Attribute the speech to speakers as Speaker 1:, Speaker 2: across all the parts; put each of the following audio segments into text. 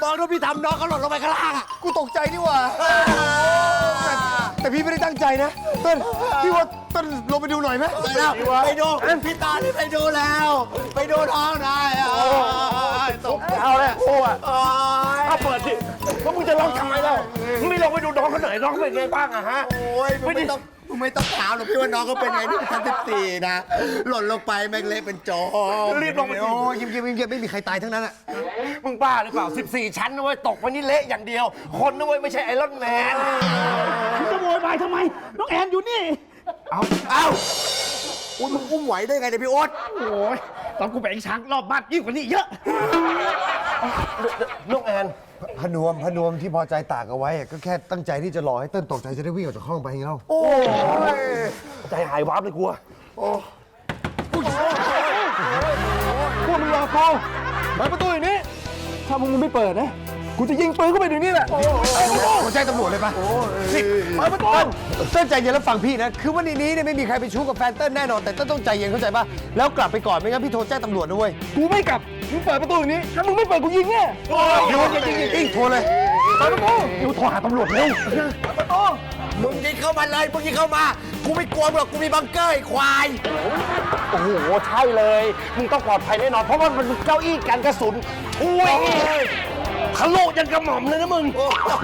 Speaker 1: มองดูพี่ทำน้องเขาหล่นลงไปข้างล่างอ่ะ
Speaker 2: กูตกใจนี่หว่าแต่พี่ไม่ได้ตั้งใจนะเต้นพี่ว่าเต้นลงไปดูหน่อยไหม
Speaker 1: ไปแล้วไปดูพี่ตานี่ไปดูแล้ว ไปดูท้องได้อ่ะตก
Speaker 3: เอาเลยโอ้อะ
Speaker 1: โอ้ย
Speaker 3: เอาเปิดสิแล้วมึงจะร้องทำไมเล่ามึงไม่ลองไปดูน้องเขาหน่อยน้องเป็นไงบ้างอะฮะ
Speaker 1: โอ้ยไม่ต้องถามหรอกพี่ว่าน้องเขาเป็นไงนี่ชั้น14นะหล่นลงไปแม่งเละเป็นโจม
Speaker 3: รีบลงไป
Speaker 2: โอ้ยยิ้มไม่มีใครตายทั้งนั้นอะ
Speaker 3: มึงบ้าหรือเปล่า14 ชั้นนะเว้ยตกไปนี่เละอย่างเดียว คนนะเว้ยไม่ใช่ไอรอนแมน
Speaker 4: มึงจะโวยวายทำไม น้องแอนอยู่นี่
Speaker 1: เอ้าอุ้ยมึงอุ้มไหวได้ไงเนี่ยพี่โอ๊ต
Speaker 4: โอ้ยตอนกูแบ่งช้างรอบบ้านยิ่งกว่านี้เยอะ
Speaker 3: น้องแอน
Speaker 2: พนวมที่พอใจตากเอาไว้อะก็แค่ตั้งใจที่จะรอให้เต้นตกใจจะได้วิ่งออกจากห้องไปไงเล่า
Speaker 3: โอ้ยใจหายวาบเลยกลัว
Speaker 4: พวกมึงรอกูเปิดประตูอย่างนี้ ถ้ามึงไม่เปิดนะ กูจะยิงปืนเข้าไปเดี๋ยวนี้แหละ
Speaker 2: โทรแจ้งตำรวจเลยปะ
Speaker 4: เปิดประตู
Speaker 2: เต้นใจเย็นแล้วฟังพี่นะคือว่าในนี้เนี่ยไม่มีใครไปชู้กับแฟนเต้นแน่นอนแต่เต้นต้องใจเย็นเข้าใจปะแล้วกลับไปก่อนไม่งั้นพี่โทรแจ้งตำรวจนะเว้ย
Speaker 4: กูไม่กลับ มึงเปิดประตูอย่างนี้ ถ้ามึงไม่เปิดกูยิงแน่
Speaker 2: เดี๋ยวยิงโทรเลย
Speaker 4: เปิดประตูเดี๋ยวโทรหาตำรวจเร็วเปิดประตู
Speaker 1: มึงยิงเข้ามาเลยมึงยิงเข้ามากูไม่กลัวหรอกกูมีบังเกอร์ไอ้ควาย
Speaker 3: โอ้โหใช่เลย มึงต้องปลอดภัยแน่นอนเพราะว่ามันเป็นเก้าอี้กันกระสุนอุ้ยทะลุยันกระหม่อมเลยนะมึง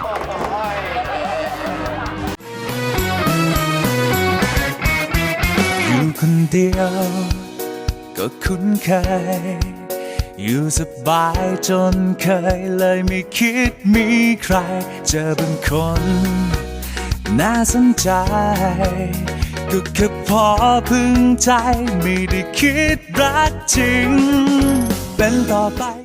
Speaker 5: อยู่คนเดียวก็คุ้นเคยอยู่สบายจนเคยเลยไม่คิดมีใครเจอเป็นคนน่าสนใจก็แค่พอพึงใจไม่ได้คิดรักจริงเป็นต่อไป